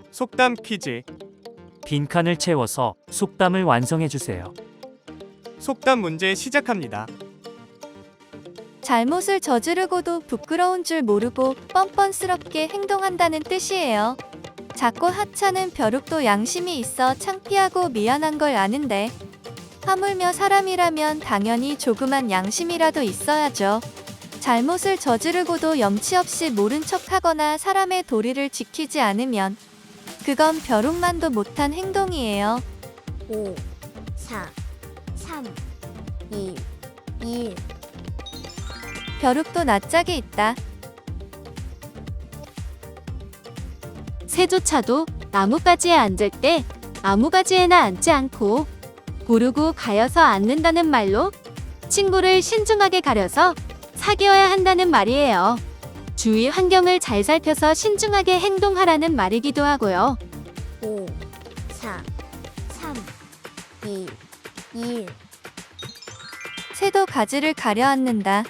속담 퀴즈. 빈칸을 채워서 속담을 완성해 주세요. 속담 문제 시작합니다. 잘못을 저지르고도 부끄러운 줄 모르고 뻔뻔스럽게 행동한다는 뜻이에요. 작고 하찮은 벼룩도 양심이 있어 창피하고 미안한 걸 아는데 하물며 사람이라면 당연히 조그만 양심이라도 있어야죠. 잘못을 저지르고도 염치 없이 모른 척하거나 사람의 도리를 지키지 않으면 그건 벼룩만도 못한 행동이에요. 5, 4, 3, 2, 1. 벼룩도 낯짝이 있다. 새조차도 나뭇가지에 앉을 때 나무가지에나 앉지 않고 고르고 가여서 앉는다는 말로 친구를 신중하게 가려서 사귀어야 한다는 말이에요. 주위 환경을 잘 살펴서 신중하게 행동하라는 말이기도 하고요. 5, 4, 3, 2, 1. 새도 가지를 가려 앉는다.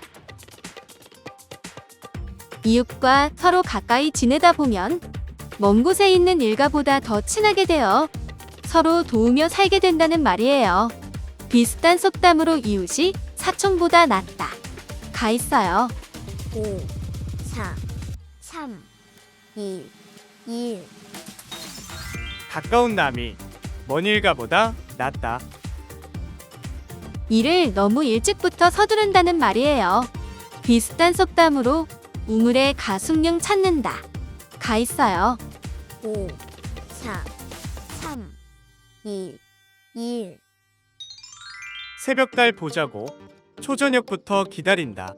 이웃과 서로 가까이 지내다 보면 먼 곳에 있는 일가보다 더 친하게 되어 서로 도우며 살게 된다는 말이에요. 비슷한 속담으로 이웃이 사촌보다 낫다. 가 있어요. 5, 4, 3, 2, 1. 가까운 남이 먼 일가보다 낫다. 일을 너무 일찍부터 서두른다는 말이에요. 비슷한 속담으로 우물에 가숙룡 찾는다. 가 있어요. 5, 4, 3, 2, 1. 새벽달 보자고 초저녁부터 기다린다.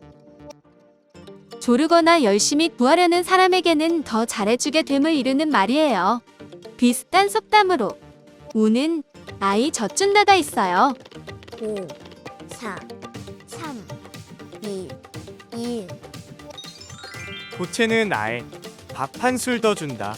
조르거나 열심히 구하려는 사람에게는 더 잘해주게 됨을 이루는 말이에요. 비슷한 속담으로 우는 아이 젖준다가 있어요. 5, 4, 3, 2, 1. 고체는 아예 밥 한 술 더 준다.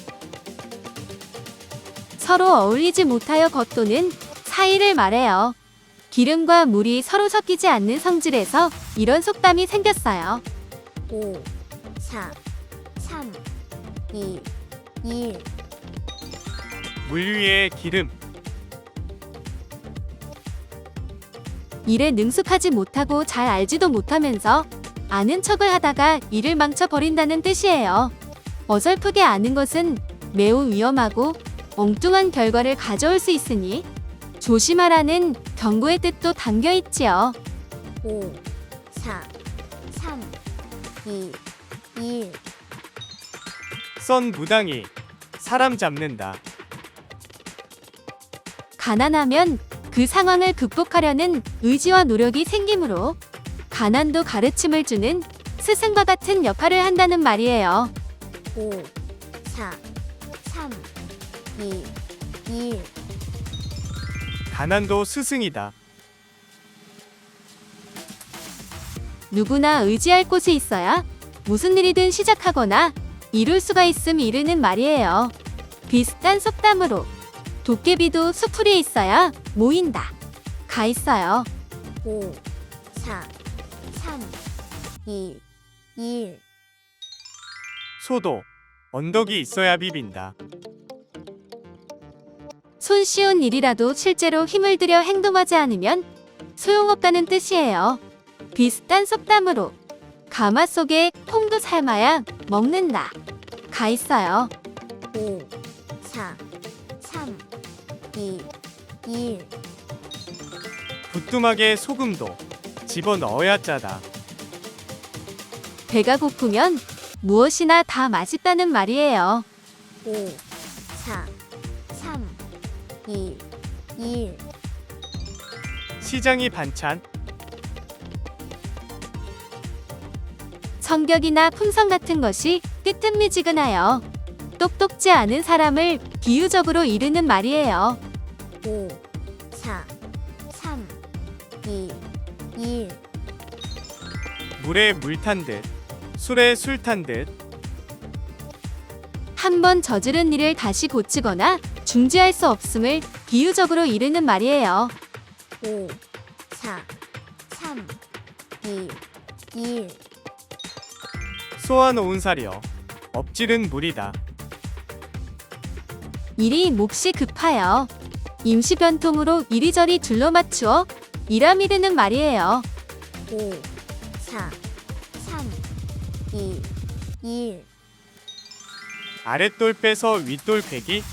서로 어울리지 못하여 겉도는 사이를 말해요. 기름과 물이 서로 섞이지 않는 성질에서 이런 속담이 생겼어요. 5, 4, 3, 2, 1. 물 위에 기름. 일에 능숙하지 못하고 잘 알지도 못하면서 아는 척을 하다가 일을 망쳐버린다는 뜻이에요. 어설프게 아는 것은 매우 위험하고 엉뚱한 결과를 가져올 수 있으니 조심하라는 경고의 뜻도 담겨 있지요. 5, 4, 3, 2, 1. 썬 무당이 사람 잡는다. 가난하면 그 상황을 극복하려는 의지와 노력이 생기므로 가난도 가르침을 주는 스승과 같은 역할을 한다는 말이에요. 5, 4, 3, 2, 1. 가난도 스승이다. 누구나 의지할 곳이 있어야 무슨 일이든 시작하거나 이룰 수가 있음 이르는 말이에요. 비슷한 속담으로 도깨비도 수풀이 있어야 모인다. 가 있어요. 5, 4, 3, 2, 1. 소도 언덕이 있어야 비빈다. 손쉬운 일이라도 실제로 힘을 들여 행동하지 않으면 소용없다는 뜻이에요. 비슷한 속담으로 가마 속에 콩도 삶아야 먹는다. 가 있어요. 5, 4, 3, 2, 1. 부뚜막에 소금도 집어넣어야 짜다. 배가 고프면 무엇이나 다 맛있다는 말이에요. 5, 4, 3, 2, 1. 시장이 반찬. 성격이나 품성 같은 것이 뜨뜻미지근하여 똑똑지 않은 사람을 비유적으로 이르는 말이에요. 5, 4, 3, 2, 1. 물에 물 탄 듯, 술에 술 탄 듯. 한 번 저지른 일을 다시 고치거나 중지할 수 없음을 비유적으로 이르는 말이에요. 5, 4, 3, 2, 1. 쏘아놓은 사려 엎질은 물이다. 일이 몹시 급하여 임시 변통으로 이리저리 둘러 맞추어 일함이 되는 말이에요. 5, 4, 3, 2, 1. 아랫돌 빼서 윗돌 베기.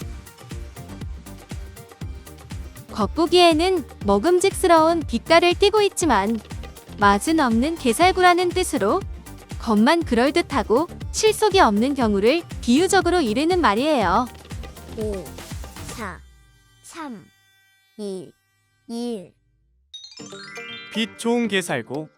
겉보기에는 먹음직스러운 빛깔을 띠고 있지만 맛은 없는 게살구라는 뜻으로 겉만 그럴듯하고 실속이 없는 경우를 비유적으로 이르는 말이에요. 5, 4, 3, 2, 1. 빛 좋은 게살구.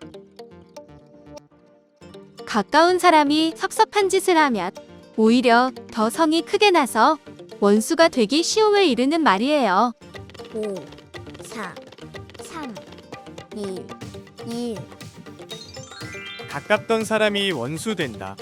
가까운 사람이 섭섭한 짓을 하면 오히려 더 성이 크게 나서 원수가 되기 쉬움을 이르는 말이에요. 5, 4, 3, 2, 1. 가깝던 사람이 원수 된다.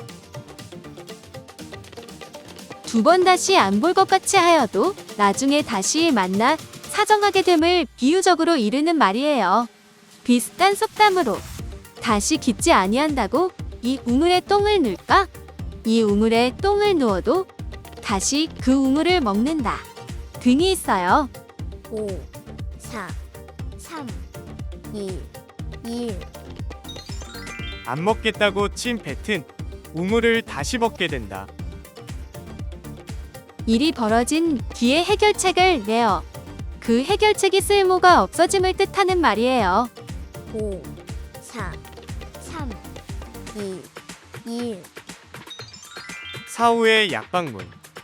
두 번 다시 안 볼 것 같이 하여도 나중에 다시 만나 사정하게 됨을 비유적으로 이르는 말이에요. 비슷한 속담으로 다시 깃지 아니한다고 이 우물에 똥을 넣을까? 이 우물에 똥을 누워도 다시 그 우물을 먹는다 등이 있어요. 5, 4, 3, 2, 1. 안 먹겠다고 친 뱉은 우물을 다시 먹게 된다. 일이 벌어진 뒤에 해결책을 내어 그 해결책이 쓸모가 없어짐을 뜻하는 말이에요. 5, 4, 3, 2, 1. 사후의 약방문.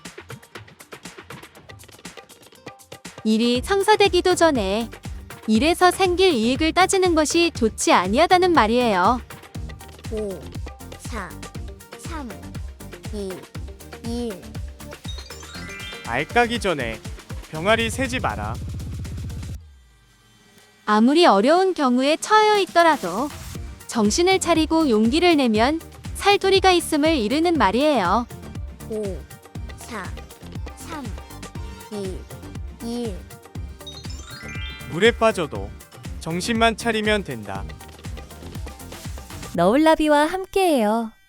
일이 성사되기도 전에 일에서 생길 이익을 따지는 것이 좋지 아니하다는 말이에요. 5, 4, 3, 2, 1. 알 까기 전에 병아리 세지 마라. 아무리 어려운 경우에 처해 있더라도 정신을 차리고 용기를 내면 살도리가 있음을 이르는 말이에요. 5, 4, 3, 2, 1. 물에 빠져도 정신만 차리면 된다. 너울나비와 함께해요.